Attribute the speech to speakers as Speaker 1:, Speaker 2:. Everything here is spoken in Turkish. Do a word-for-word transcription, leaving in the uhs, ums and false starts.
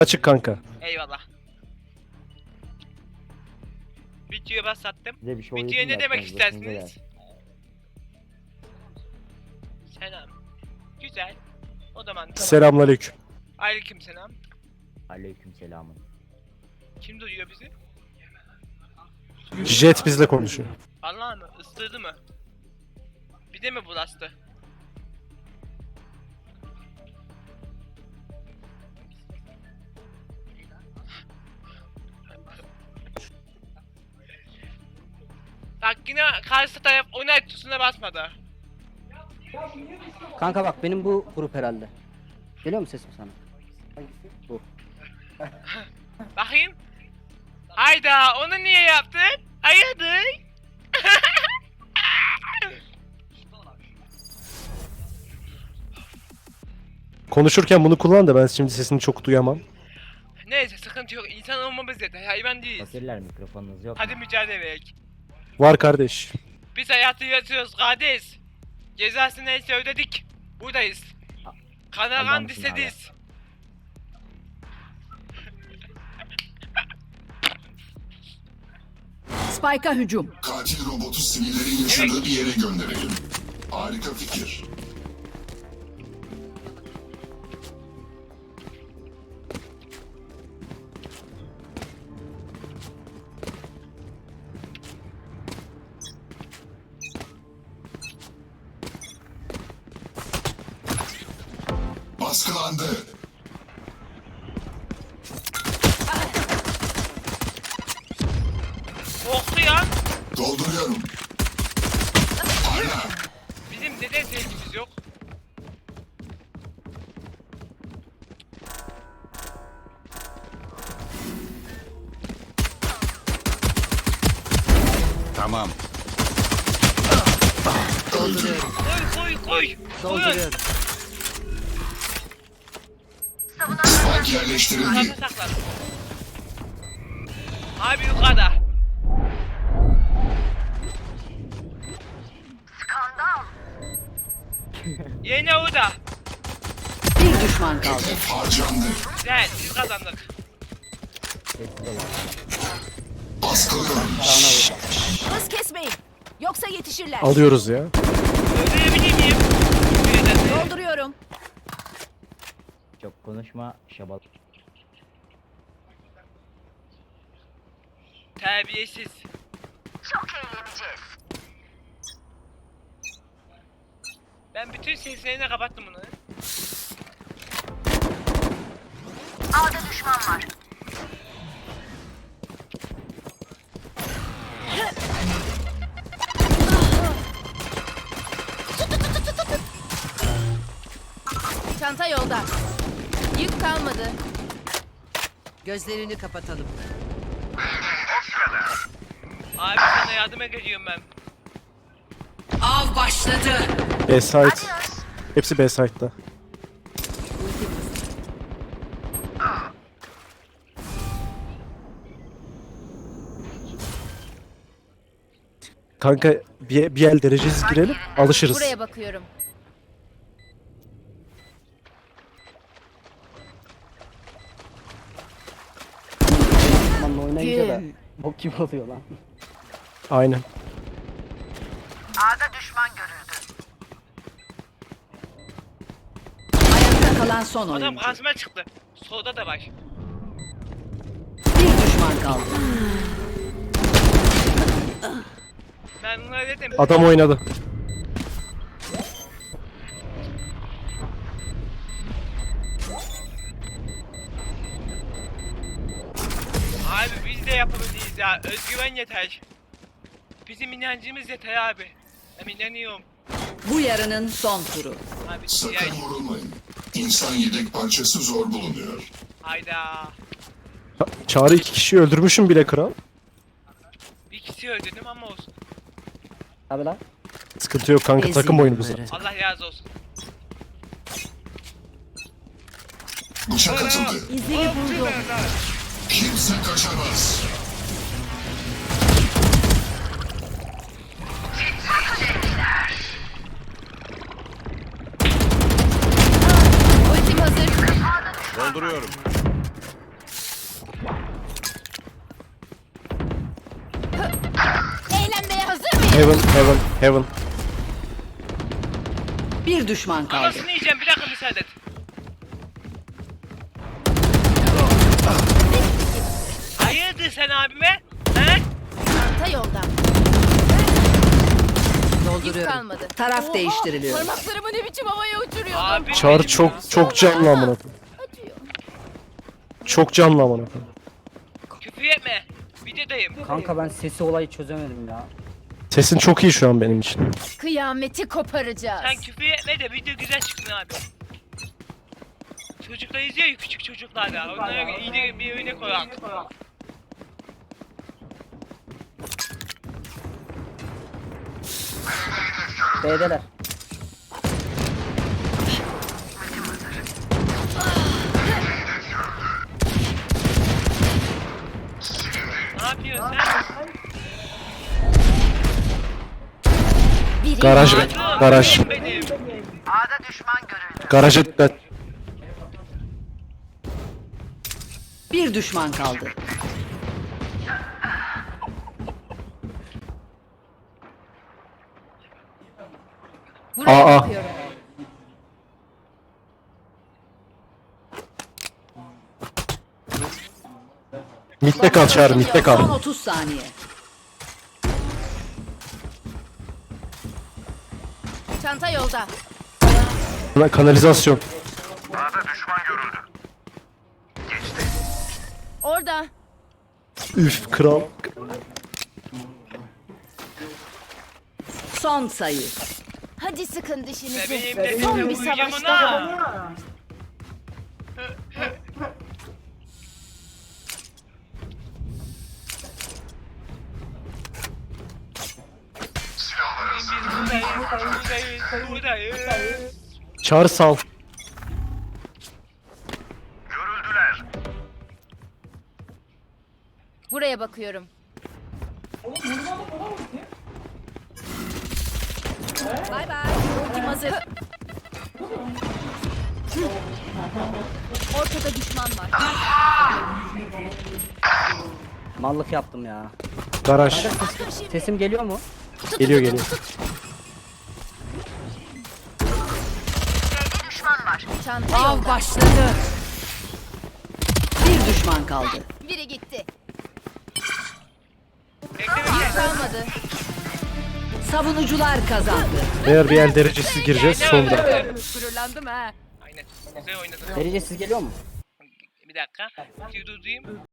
Speaker 1: Açık kanka.
Speaker 2: Eyvallah. Videoyu başlattım.
Speaker 3: Size bir şey
Speaker 2: Videoya
Speaker 3: öğreteyim
Speaker 2: ne
Speaker 3: mi
Speaker 2: demek
Speaker 3: aslında? Başınıza
Speaker 2: istersiniz?
Speaker 3: gelsin.
Speaker 2: Selam. Güzel. O zaman tamam.
Speaker 1: Selamünaleyküm.
Speaker 2: Aleyküm selam.
Speaker 3: Aleyküm selamın.
Speaker 2: Kim duyuyor bizi?
Speaker 1: Jet bizle konuşuyor.
Speaker 2: Allah mı? Isırdı mı? Bir de mi bulaştı? Bak yine karşı taraf onay tuşuna basmadı.
Speaker 4: Kanka bak benim bu grup herhalde. Geliyor mu sesim sana? Hangisi? Bu.
Speaker 2: Bakayım. Hayda onu niye yaptın? Hayırdır?
Speaker 1: Konuşurken bunu kullan da ben şimdi sesini çok duyamam.
Speaker 2: Neyse sıkıntı yok. İnsan olmamız yeter. Hayvan değiliz.
Speaker 3: Fakirler mikrofonunuz yok.
Speaker 2: Hadi mücadele verek.
Speaker 1: Var kardeş.
Speaker 2: Biz hayatı yaşıyoruz kardeş. Cezası neyse ödedik. Buradayız. Kanagan
Speaker 3: Adamsın
Speaker 2: distediz.
Speaker 5: Spike'a hücum.
Speaker 6: Katil robotu sivillerin yaşadığı bir yere gönderelim. Harika fikir. Baskılandı.
Speaker 2: Korktu ya.
Speaker 6: Dolduruyorum. Hala.
Speaker 2: Bizim neden sevgimiz yok?
Speaker 6: Tamam.
Speaker 5: Dolduruyorum.
Speaker 2: Koy koy koy. Koyun.
Speaker 5: Dolduruyorum.
Speaker 6: Spike yerleştirildi.
Speaker 2: Sakla sakla. Abi yukarıda. Yine orada.
Speaker 5: Bir düşman kaldı.
Speaker 6: Hedef harcandı.
Speaker 2: Güzel biz kazandık.
Speaker 3: Sessiz olun.
Speaker 6: Baskılıyorum.
Speaker 5: Hız kesmeyin. Yoksa yetişirler.
Speaker 1: Alıyoruz ya.
Speaker 2: Öldürebilir miyim?
Speaker 5: Dolduruyorum.
Speaker 3: Çok konuşma şabal.
Speaker 2: Terbiyesiz. Ben bütün seslerini kapattım bunu.
Speaker 5: Çanta yolda. Yük kalmadı. Gözlerini kapatalım.
Speaker 2: Abi sana yardıma geliyorum ben.
Speaker 5: Av başladı.
Speaker 1: B-side. Hepsi B-side'da. Kanka bir, bir el derecesiz girelim, alışırız.
Speaker 5: Buraya bakıyorum.
Speaker 4: Osman'la oynayınca da
Speaker 5: Gün.
Speaker 4: bok gibi oluyor lan.
Speaker 1: Aynen.
Speaker 5: Ayakta kalan son
Speaker 2: Adam
Speaker 5: oyuncu.
Speaker 2: karşıma çıktı. Solda da var.
Speaker 5: Bir düşman kaldı.
Speaker 2: Ben bunlara dedim.
Speaker 1: Adam oynadı.
Speaker 2: Abi biz de yapabiliriz ya. Özgüven yeter. Bizim inancımız yeter abi. Ben inanıyorum.
Speaker 5: Bu yarının son turu.
Speaker 2: Abi
Speaker 6: Sakın
Speaker 2: diğer...
Speaker 6: vurulmayın. İnsan yedek parçası zor bulunuyor.
Speaker 2: Hayda.
Speaker 1: Ha, Çağrı iki kişiyi öldürmüşüm bile kral.
Speaker 2: Bir kişi öldürdüm ama olsun.
Speaker 4: Abi lan.
Speaker 1: Sıkıntı yok kanka, takım oyunu bu zaten.
Speaker 2: Allah razı olsun.
Speaker 6: Bıçak atıldı.
Speaker 5: İzini buldum.
Speaker 6: Kimse kaçamaz.
Speaker 5: Ultim hazır.
Speaker 7: Dolduruyorum.
Speaker 1: Heaven, heaven, heaven.
Speaker 5: Bir düşman kaldı.
Speaker 2: Anasını yiyeceğim bir dakika müsaade et. Hayırdır sen abime? He?
Speaker 7: Ta yolda.
Speaker 5: Dolduruyorum.
Speaker 7: kalmadı.
Speaker 5: Taraf değiştiriliyor.
Speaker 7: Parmaklarımı ne biçim havaya uçuruyordum.
Speaker 2: Abi
Speaker 1: Çağrı
Speaker 2: benim
Speaker 1: çok
Speaker 2: ya.
Speaker 1: çok canlı amına koyayım.
Speaker 7: Acıyor.
Speaker 1: Çok canlı amına koyayım.
Speaker 2: Küfür etme. Videodayım.
Speaker 4: Kanka ben sesi olayı çözemedim ya.
Speaker 1: Sesin çok iyi şu an benim için.
Speaker 7: Kıyameti koparacağız.
Speaker 2: Sen küfür etme de video güzel çıksın abi. Çocuklar izliyor ya küçük çocuklar ya. Onlara iyi de bir örnek olarak.
Speaker 4: B'deler.
Speaker 2: Ne yapıyorsun sen?
Speaker 7: Biri
Speaker 1: Garaj,
Speaker 2: Patron,
Speaker 1: garaj.
Speaker 2: benim.
Speaker 1: Garaja dikkat.
Speaker 5: Bir düşman kaldı.
Speaker 7: buraya
Speaker 1: Aa.
Speaker 7: bakıyorum.
Speaker 1: Mitte kal Çağrı, mitte
Speaker 5: Son
Speaker 1: kal.
Speaker 5: otuz saniye.
Speaker 7: Çanta yolda.
Speaker 1: Kanalizasyon.
Speaker 7: Orada.
Speaker 1: Üf kral.
Speaker 5: Son sayı.
Speaker 7: Hadi sıkın dişinizi.
Speaker 2: Bebeğim de
Speaker 7: Son
Speaker 2: seni
Speaker 7: bir
Speaker 2: vuracağım
Speaker 7: savaş
Speaker 2: ona.
Speaker 7: daha.
Speaker 2: Biz buradayız, buradayız, buradayız.
Speaker 1: Çağrı sal.
Speaker 7: Buraya bakıyorum. Bay bay. Ultim hazır. Ortada düşman var.
Speaker 4: Mallık yaptım ya.
Speaker 1: Garaj.
Speaker 4: Sesim geliyor mu?
Speaker 1: Geliyor geliyor.
Speaker 7: Çanta
Speaker 5: Av
Speaker 7: yolda.
Speaker 5: başladı. Bir düşman kaldı.
Speaker 7: Biri gitti.
Speaker 2: Bekle
Speaker 7: Yük
Speaker 2: bekle.
Speaker 7: kalmadı.
Speaker 5: Savunucular kazandı.
Speaker 1: Eğer bir el derecesiz gireceğiz sonra.
Speaker 7: Gururlandım ha.
Speaker 2: Aynen. Güzel oynadın.
Speaker 4: Derecesiz geliyor mu?
Speaker 2: Bir dakika. Bir durdurayım.